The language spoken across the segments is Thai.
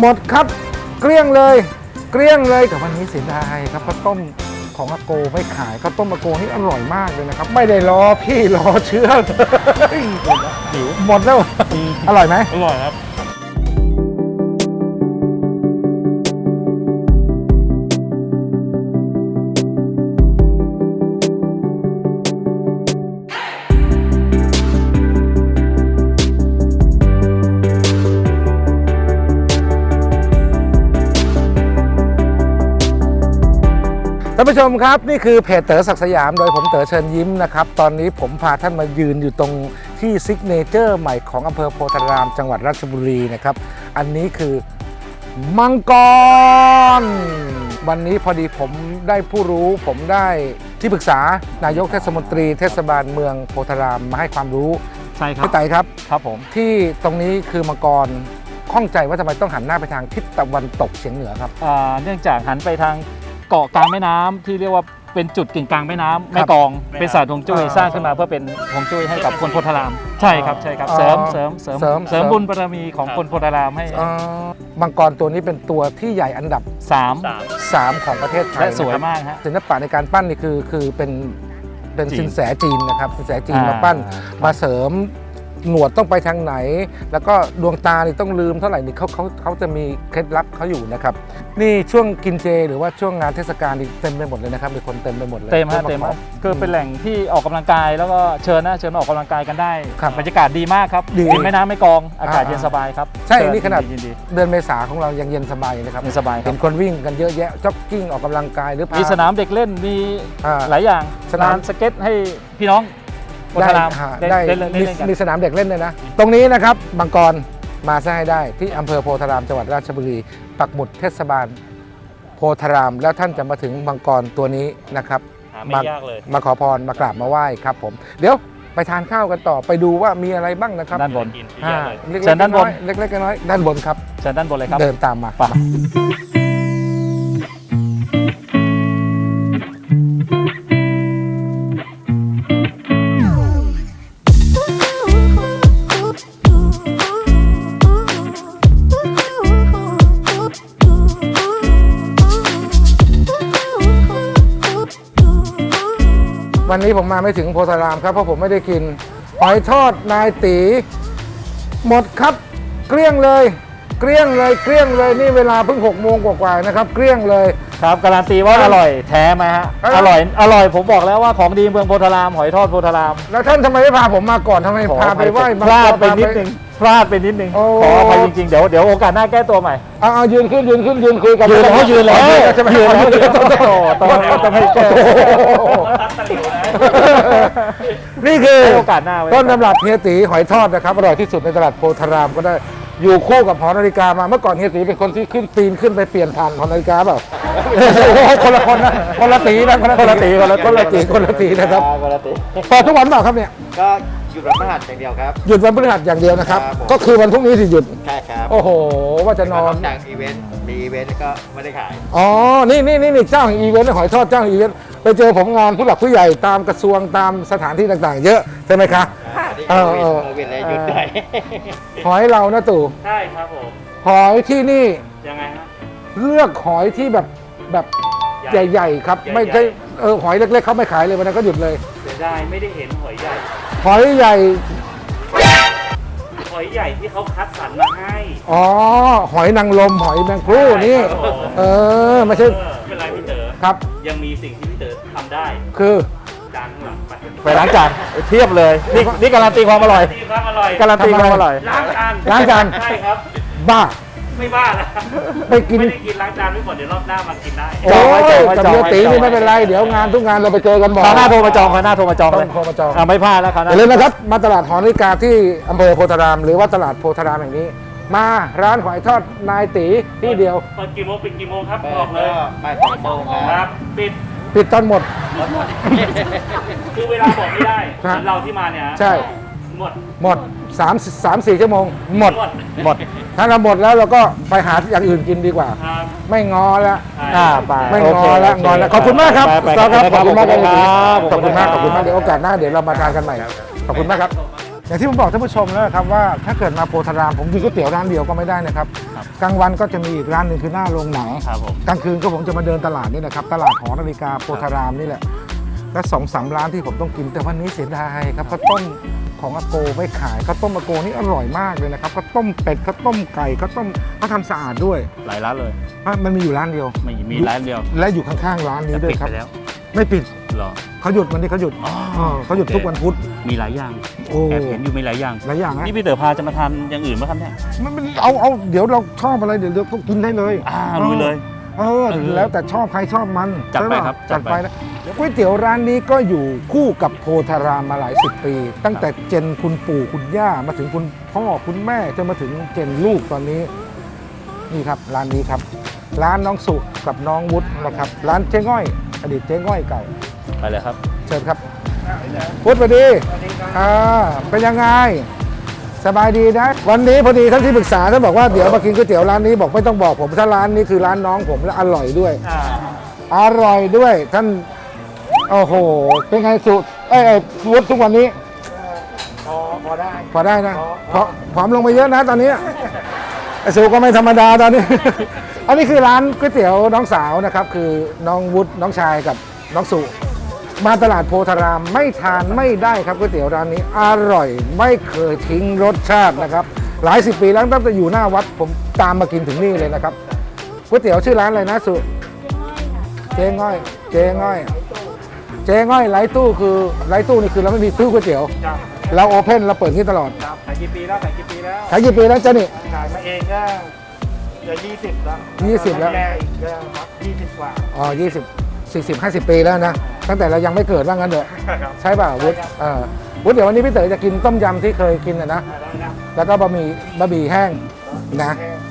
หมดครับเกลี้ยงเลยแต่วันนี้เสียดายครับข้าวต้มของอาโกไม่ขายข้าวต้มอาโกนี่อร่อยมากเลยนะครับไม่ได้รอพี่รอเชื้อเลยหิวหมดแล้วอร่อยไหมอร่อยครับท่านผู้ชมครับนี่คือเพจเต๋อศักดิ์สยามโดยผมเต๋อเชิญยิ้มนะครับตอนนี้ผมพาท่านมายืนอยู่ตรงที่ซิกเนเจอร์ใหม่ของอำเภอโพธารามจังหวัดราชบุรีนะครับอันนี้คือมังกรวันนี้พอดีผมได้ผู้รู้ผมได้ที่ปรึกษานายกเทศมนตรีเทศบาลเมืองโพธารามมาให้ความรู้ใช่ครับพี่ไต่ครับครับผมที่ตรงนี้คือมังกรข้องใจว่าทำไมต้องหันหน้าไปทางทิศตะวันตกเฉียงเหนือครับเนื่องจากหันไปทางเกาะกลางแม่น้ำที่เรียกว่าเป็นจุดกึ่งกลางแม่น้ำแม่กองเป็นศาสตร์ฮวงจุ้ยสร้างขึ้นมาเพื่อเป็นฮวงจุ้ยให้กับคนโพธารามใช่ครับเสริมบุญบารมีของคนโพธารามให้มังกรตัวนี้เป็นตัวที่ใหญ่อันดับ3ของประเทศไทยและสวยมากฮะศิลปะในการปั้นนี่คือเป็นสินแสจีนนะครับสินแสจีนมาปั้นมาเสริมหนวดต้องไปทางไหนแล้วก็ดวงตานี่ต้องลืมเท่าไหร่นี่เขาจะมีเคล็ดลับเขาอยู่นะครับนี่ช่วงกินเจหรือว่าช่วงงานเทศกาลนี่เต็มไปหมดเลยนะครับมีคนเต็มไปหมดเลยเต็มคือเป็นแหล่งที่ออกกำลังกายแล้วก็เชิญมาออกกำลังกายกันได้บรรยากาศดีมากครับริมแม่น้ำแม่กองอากาศเย็นสบายครับใช่นี่ขนาดเดือนเมษาของเรายังเย็นสบายนะครับเย็นสบายเห็นคนวิ่งกันเยอะแยะจ็อกกิ้งออกกำลังกายหรือมีสนามเด็กเล่นมีหลายอย่างสนามสเก็ตให้พี่น้องได้มีสนามเด็กเล่นเลยนะตรงนี้นะครับมังกรมาซะให้ได้ที่อำเภอโพธารามจังหวัดราชบุรีปักหมุดเทศบาลโพธารามแล้วท่านจะมาถึงมังกรตัวนี้นะครับไม่ยากเลยมาขอพรมากราบมาไหว้ครับผมเดี๋ยวไปทานข้าวกันต่อไปดูว่ามีอะไรบ้างนะครับด้านบนเชิญด้านบนเล็กๆน้อยๆด้านบนครับเชิญด้านบนเลยครับเดินตามมาวันนี้ผมมาไม่ถึงโพธารามครับเพราะผมไม่ได้กินหอยทอดนายตีหมดครับเกลี้ยงเลยนี่เวลาเพิ่ง6 โมงกว่าๆนะครับเกลี้ยงเลยครับการันตีว่าอร่อยแท้ไหมฮะอร่อยผมบอกแล้วว่าของดีเมืองโพธารามหอยทอดโพธารามแล้วท่านทำไมไม่พาผมมาก่อนทำไมพาไปไหว้พลาดไปนิดนึงขออภัยจริงๆเดี๋ยวโอกาสหน้าแก้ตัวใหม่เอายืนขึ้นคุยกันยืนแล้วต้องให้แก้นี่คือโอกาสหน้าต้นตำรับเฮียตีหอยทอดนะครับอร่อยที่สุดในตลาดโพธารามก็ได้อยู่คู่กับหอนาฬิกามาเมื่อก่อนเฮียตีเป็นคนที่ปีนขึ้นไปเปลี่ยนผ่านหอนาฬิกาเปล่าคนละคนนะคนละตีนะครับเปิดทุกวันเปล่าครับเนี่ยก็หยุดวันพฤหัสอย่างเดียวครับหยุดวันพฤหัสอย่างเดียวนะครับก็คือวันพรุ่งนี้สิหยุดใช่ครับโอ้โหว่าจะนอนจากอีเวนต์มีอีเวนต์ก็ไม่ได้ขายอ๋อนี่เจ้าของอีเวนต์หอยทอดเจ้าของอีเวนต์ไปเจอผมงานผู้หลักผู้ใหญ่ตามกระทรวงตามสถานที่ต่างๆเยอะใช่ไหมคะโควิดเลยหยุดได้หอยเรานะตู่ใช่ครับผมหอยที่นี่ยังไงฮะเลือกหอยที่แบบใหญ่ๆครับไม่ใช่หอยเล็กๆเขาไม่ขายเลยวันนั้นก็หยุดเลยเสียดายไม่ได้เห็นหอยใหญ่หอยใหญ่ที่เขาคัดสรรมาให้อ๋อหอยนางรมหอยแมงกรูนี่ไม่ใช่เป็นไรพี่เต๋อครับยังมีสิ่งที่พี่เต๋อทำได้คือจานหลังไปล้างจานเทียบเลยนี่การันตีความอร่อยการันตีความอร่อยล้างจานใช่ครับบ้าไม่บ้าแล้วไม่ได้กินล้างจานไม่หมดเดี๋ยวรอบหน้ามากินได้โอ้ยกับเฮียตีนี่ไม่เป็นไรเดี๋ยวงานทุกงานเราไปเจอกันบ่อยหน้าโทรมาจองเลยไม่พลาดแล้วครับอย่าลืมนะครับมาตลาดหอนาฬิกาที่อำเภอโพธารามหรือว่าตลาดโพธารามแห่งนี้มาร้านหอยทอดนายตีที่เดียวเปิดกี่โมงปิดกี่โมงครับบอกเลยบ่าย2 โมงครับปิดตอนหมดคือเวลาบอกไม่ได้เราที่มาเนี่ยใช่หมด3-4 ชั่วโมงหมดถ้าเราหมดแล้วเราก็ไปหาอย่างอื่นกินดีกว่าไม่งอแล้วไม่งอแล้วขอบคุณมากครับขอบคุณมากเดี๋ยวโอกาสหน้าเดี๋ยวเรามาทานกันใหม่ขอบคุณมากครับอย่างที่ผมบอกท่านผู้ชมแล้วนะครับว่าถ้าเกิดมาโพธารามผมกินก๋วยเตี๋ยวร้านเดียวก็ไม่ได้นะครับครับกลางวันก็จะมีอีกร้านหนึ่งคือหน้าโรงหนังครับผมกลางคืนก็ผมจะมาเดินตลาดนี่แหละครับตลาดหอนาฬิกาโพธารามนี่แหละและ2-3 ร้านที่ผมต้องกินแต่วันนี้เสียดายครับข้าวต้มของอาโกไม่ขายข้าวต้มอาโกนี่อร่อยมากเลยนะครับข้าวต้มเป็ดข้าวต้มไก่ข้าวต้มเขาทำสะอาดด้วยหลายร้านเลยมันมีอยู่ร้านเดียวไม่มีร้านเดียวและอยู่ข้างๆร้านนี้แต่ด้วปิยดครับไปแล้วไม่ปิดเหรอเขาหยุดวันนี้เขาหยุดอ๋อเขาหยุดทุกวันพุธมีหลายอย่างโอ้แอบเห็นอยู่มีหลายอย่างหลายอย่างนะนี่พี่เต๋อพาจะมาทานอย่างอื่นไหมครับเนี่ยมันเอาเดี๋ยวเราชอบอะไรเดี๋ยวก็กินได้เลยลุยเลยแล้วแต่ชอบใครชอบมันจัดไปใช่ปะครับจัจัดดไปไปนะก๋วยเตี๋ยวร้านนี้ก็อยู่คู่กับโพธารามมาหลายสิบปี ตั้งแต่เจนคุณปู่คุณย่ามาถึงคุณพ่อคุณแม่จนมาถึงเจนลูกตอนนี้นี่ครับร้านนี้ครับ ร้านน้องสุกับน้องวุฒินะครับร้านเจ๊ง่อย อดีตเจ๊ง่อยเก่าไปเลยครับเชิญครับพุทธสวัสดีเป็นยังไง สบายดีนะ วันนี้พอดีท่านที่ปรึกษาท่านบอกว่าเดี๋ยวมากินก๋วยเตี๋ยวร้านนี้บอกไม่ต้องบอกผมถ้าร้านนี้คือร้านน้องผมและอร่อยด้วย อร่อยด้วยท่านโอ้โหเป็นไงสุวุฒิทุกวันนี้พอได้พอได้นะผอมลงไปเยอะนะตอนนี้ไอ้สุก็ไม่ธรรมดาตอนนี้ อันนี้คือร้านก๋วยเตี๋ยวน้องสาวนะครับคือน้องวุฒิน้องชายกับน้องสุมาตลาดโพธารามไม่ทานไม่ได้ครับก๋วยเตี๋ยวร้านนี้อร่อยไม่เคยทิ้งรสชาตินะครับหลายสิบปีแล้วตั้งแต่อยู่หน้าวัดผมตามมากินถึงนี่เลยนะครับก๋วยเตี๋ยวชื่อร้านอะไรนะสุเจ๊ง่อยเจ๊ง่อยเจ๊ง่อยไร้ตู้คือไร้ตู้นี่คือเราไม่มีตู้ก๋วยเตี๋ยวเราโอเพ่นเราเปิดที่ตลอดครับขายกี่ปีแล้วขายกี่ปีแล้วขายกี่ปีแล้วจ๊ะนี่ขายมาเองก็จะ20แล้ว 20แล้วแม่อีกก็20 กว่าอ๋อ20 40 50 ปีแล้วนะตั้งแต่เรายังไม่เกิดว่างั้นเถอะครับใช่ป่ะวุฒิวุฒิเดี๋ยววันนี้พี่เต๋อจะกินต้มยำที่เคยกินนะได้ครับแล้วก็บะหมี่แห้งนะ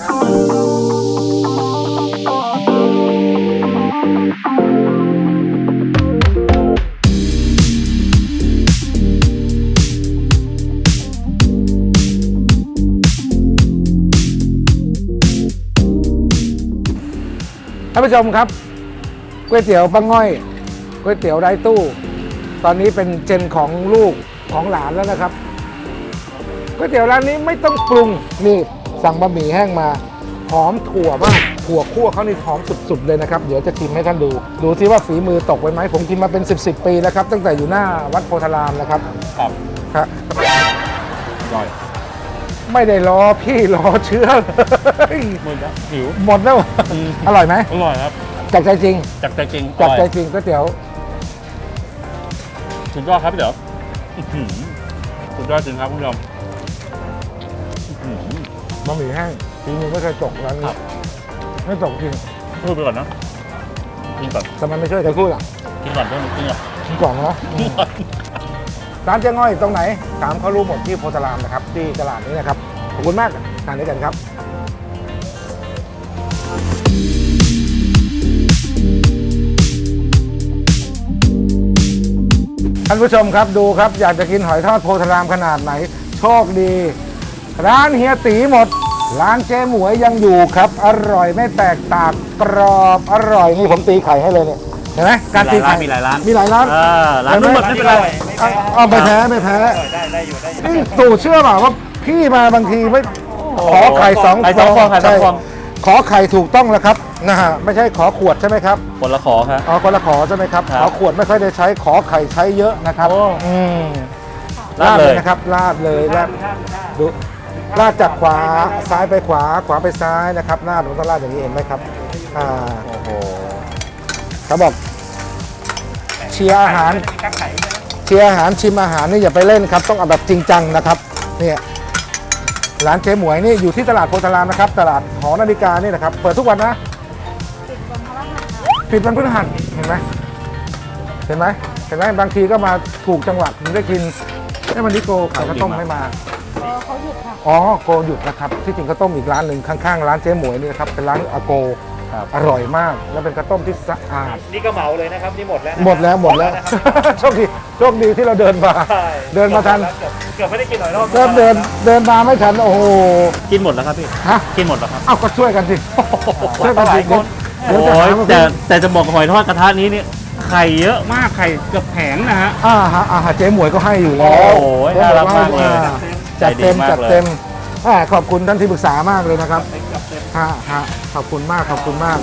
ท่านผู้ชมครับก๋วยเตี๋ยวป้าง่อยก๋วยเตี๋ยวไร้ตู้ ตอนนี้เป็นเจนของลูกของหลานแล้วนะครับก๋วยเตี๋ยวร้านนี้ไม่ต้องปรุงนี่สั่งบะหมี่แห้งมาหอมถั่วมากถั่วคั่วเขานี่หอมสุดๆเลยนะครับเดี๋ยวจะชิมให้ท่านดูซิว่าฝีมือตกไปไหมผมกินมาเป็น10 ปีแล้วครับตั้งแต่อยู่หน้าวัดโพธารามนะครับครับครับอร่อยไม่ได้รอพี่รอเชื้อเลยหมดแล้วหิวหมดแล้วอร่อยไหมอร่อยครับจากใจจริงจากใจจริงจากใจอร่อยจริงก๋วยเตี๋ยวสุดยอดครับพี่เต๋ออื้อหือสุดยอดจริงครับคุณผู้ชมอื้อหือบะหมี่แห้งฝีมือไม่เคยตกร้านคนี้รับไม่ตกจริงพูดไปก่อนนะกินก่อนทำไมไม่ช่วยกันพูดล่ะกินก่อนเพื่อนกินก่อนกินกล่องนะกินก่อนร้านเจ๊ง่อยตรงไหนถามเขารู้หมดที่โพธารามนะครับที่ตลาดนี้นะครับขอบคุณมากทานด้วยกันครับท่านผู้ชมครับดูครับอยากจะกินหอยทอดโพธารามขนาดไหนโชคดี ร้านเฮียตีหมด ร้านเจ๊หมวยยังอยู่ครับ อร่อยไม่แตกต่างกรอบอร่อยนี่ผมตีไข่ให้เลยเนี่ยเห็นไหมการตีไข่มีหลายร้านมีหลายร้านร้านนู้นหมดไม่เป็นไรเอาไม่แพ้ไม่แพ้ได้อยู่ได้อยู่นี่ตู่เชื่อเปล่าว่าพี่มาบางทีไม่ขอไข่สองไข่สองฟองไข่สองฟองขอไข่ถูกต้องแล้วครับนะฮะไม่ใช่ขอขวดใช่ไหมครับคนละขอครับอ๋อคนละขอใช่ไหมครับครับขอขวดไม่ค่อยได้ใช้ขอไข่ใช้เยอะนะครับโอ้อืมราดเลยนะครับราดเลยราดดูราดจากขวาซ้ายไปขวาขวาไปซ้ายนะครับราดมันต้องราดอย่างนี้เห็นไหมครับโอ้โหเขาบอกเชียร์อาหาร เชียร์อาหารชิมอาหารนี่อย่าไปเล่นครับต้องเอาแบบจริงจังนะครับเนี่ยร้านเจ๊หมวยนี่อยู่ที่ตลาดโพธารามนะครับตลาดหอนาฬิกานี่นะครับเปิดทุกวันนะปิดวันพฤหัสเห็นไหมเห็นไหมเห็นไหมบางทีก็มาถูกจังหวะถึงได้กินวันนี้โกขายข้าวต้มไม่มาเขาหยุดค่ะอ๋อโกหยุดนะครับที่จริงข้าวต้มอีกร้านหนึ่งข้างๆร้านเจ๊หมวยนี่นะครับเป็นร้านอาโกครับอร่อยมากแล้วเป็นข้าวต้มที่สะอาดนี่ก็เหมาเลยนะครับนี่หมดแล้วนะหมดแล้วนะครับโชคดีที่เราเดินมาใช่เดินมาทันเกือบไม่ได้กินหน่อยรอบเริ่มเดินมาไม่ทันโอ้โหกินหมดแล้วครับพี่ฮะกินหมดแล้วครับเอาก็ช่วยกันสิช่วยกันสิเดี๋ยวจะโอ้หาย มาแต่จะบอกหอยทอดกระทะนี้เนี่ยไข่เยอะมากไข่เกือบแผงนะฮะเจ๊หมวยก็ให้อยู่แล้วโอ้โหเจ๊หวยน่ารักมากเลยจัดเต็มใจดีมากจัดเต็มขอบคุณท่านที่ปรึกษามากเลยนะครับจับเต็มฮะขอบคุณมากขอบคุณมาก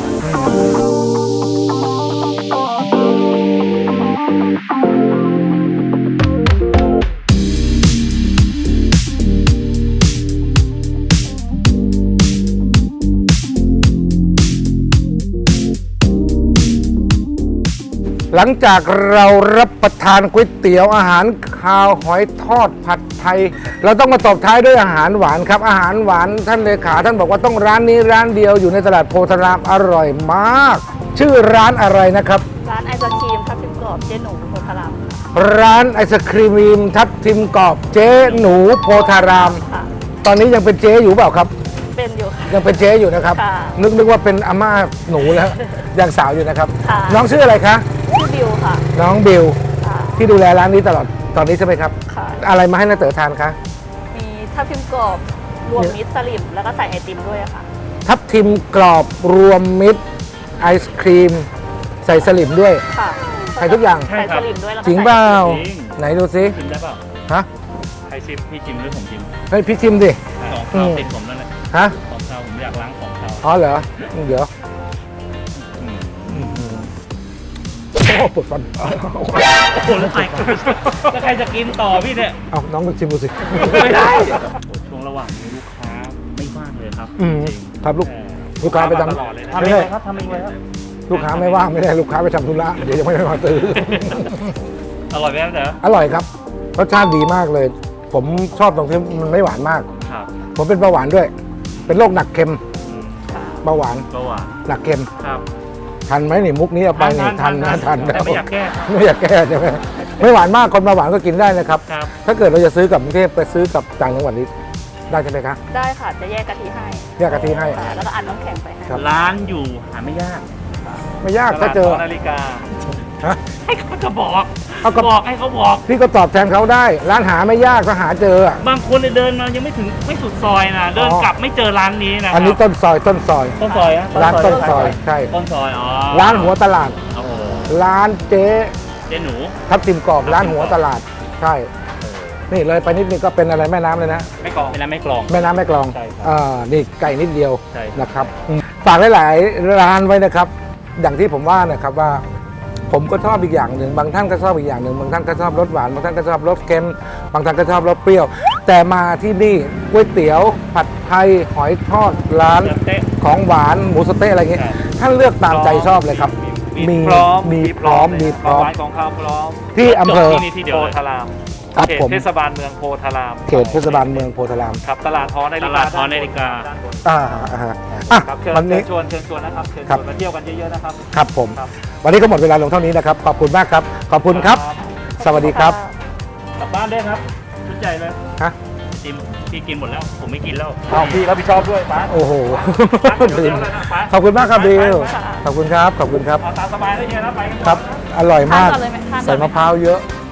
หลังจากเรารับประทานก๋วยเตี๋ยวอาหารคาวหอยทอดผัดไทย เราต้องมาตบท้ายด้วยอาหารหวานครับอาหารหวานท่านเลขาท่านบอกว่าต้องร้านนี้ร้านเดียวอยู่ในตลาดโพธารามอร่อยมาก ชื่อร้านอะไรนะครับร้านไอศครีมทับทิมกรอบเจ๊หนูโพธารามค่ะร้านไอศครีมทับทิมกรอบเจ๊หนูโพธารามค่ะตอนนี้ยังเป็นเจ๊อยู่เปล่าครับเป็นอยู่ค่ะยังเป็นเจ๊อยู่นะครับค่ะนึกว่าเป็นอาม่าหนูแล้ว ยังสาวอยู่นะครับค่ะน้องชื่ออะไรคะชื่อบิวค่ะน้องบิวค่ะที่ดูแลร้านนี้ตลอดตอนนี้ใช่ไหมครับค่ะอะไรมาให้น้าเต๋อทานคะมีทับทิมกรอบรวมมิตรสลิมแล้วก็ใส่ไอติมด้วยอะค่ะทับทิมกรอบรวมมิตรไอศครีม ใส่สลิมด้วยค่ะใส่ทุกอย่างใส่สลิมด้วยแล้วก็จริงเปล่าจริงไหนดูซิชิมได้เปล่าฮะใครชิมพี่ชิมหรือผมชิมให้พี่ชิมดิของข้าวติดผมนั่นแหละฮะของข้าวผมอยากล้างของข้าวอ๋อเหรอเดี๋ยวอืมโอ้ปวดฟันโอ้โหแล้วใครจะกินต่อพี่เนี่ยเอาน้องลองชิมดูสิไม่ได้ช่วงระหว่างนี้ลูกค้าไม่ว่างเลยครับอืมจริงครับลูกเออลูกค้าไปทตลอดเลยนะทำไม่เองได้เลยครับทำเองเลยครับำลูกค้าไม่ว่างไม่ได้ลูกค้าไปทำธุระเดี๋ยวยังไม่มาซื้ออร่อยไหมครับเต๋ออร่อยครับรสชาติดีมากเลย ผมชอบตรงที่มันไม่หวานมากครับผมเป็นเบาหวานด้วย เป็นโรคหนักเค็มอืมเบาหวานก็หวานหนักเค็มครับทันไหมนี่มุกนี้เอาไปนี่ทันนะทันแต่ไม่อยากแก้ไม่อยากแก้ใช่ไหมไม่หวานมากคนเบาหวานก็กินได้นะครับครับถ้าเกิดเราจะซื้อกลับกรุงเทพไปซื้อกับต่างจังหวัดนี้ได้ใช่ไหมคะได้ค่ะ จะแยกกะทิให้แยกกะทิให้ค่ะแล้วก็อัดน้ำแข็งไปให้ครับร้านอยู่หาไม่ยากไม่ยากถ้าเจอตลดหนาฬิกาฮะให้เขาจะบอกเอาก็บอกให้เขาบอกพี่ก็ตอบแทนเขาได้ ร้านหาไม่ยากถ้าหาเจออะบางคนเนี่ยเดินมายังไม่สุดซอยนะเดินกลับไม่เจอร้านนี้นะอันนี้ต้นซอยต้นซอยต้นซอยอะร้านต้นซอยใช่ต้นซอยอ๋อร้านหัวตลาดโอ้โหร้านเจ๊เจ๊หนูทับทิมกรอบร้านหัวตลาดใช่นี่เลยไปนิดนึงก็เป็นอะไรแม่น้ำเลยนะไม่กรองเป็นร้านไม่กลองแม่น้ำแม่กลองใช่ครับนี่ไก่นิดเดียวใช่ครับนะครับฝากหลายๆร้านไว้นะครับ อย่างที่ผมว่านะครับว่า ผมก็ชอบอีกอย่างหนึ่งบางท่านก็ชอบอีกอย่างหนึ่งบางท่านก็ชอบรสหวานบางท่านก็ชอบรสเค็มบางท่านก็ชอบรสเปรี้ยว แต่มาที่นี่ก๋วยเตี๋ยวผัดไทยหอยทอดร้านเต๊ะของหวานหมูสะเต๊ะอะไรเงี้ยครับท่านเลือกตามใจชอบเลยครับมีพร้อมมีพร้อมมีพร้อมหวานของข้าวพร้อมที่อำเภอจบที่นี่ที่เดียวโพเลยธารามครับเขตผมเทศบาลเมืองโพธารามเขตเทศบาลเมืองโพธารามครับตลาดหอนาฬิตกาลาดหอนาฬิกาด้านบนอ่าอ่ะครับเชิญวันนี้เชิญชวนนะครับเชิญครัชบวนมาเที่ยวกันเยอะๆนะครับครับผมครับวันนี้ก็หมดเวลาลงเท่านี้นะครับ ขอบคุณมากครับ ขอบคุณครับ สวัสดีครับกลับบ้านได้ครับชุดใหญ่เลยฮะจิมพี่กินหมดแล้ว ผมไม่กินแล้วเอาพี่รับผิดชอบด้วยป้าโอ้โหเดี๋ยวเลยนะป้าขอบคุณมากครับบิวขอบคุณครับ ขอบคุณครับเอาตามสบายเลยเฮียนะไปกันครับ อร่อยมากทานก่อนเลยไหมทานก่อนไหมใส่มะพร้าวเยอะค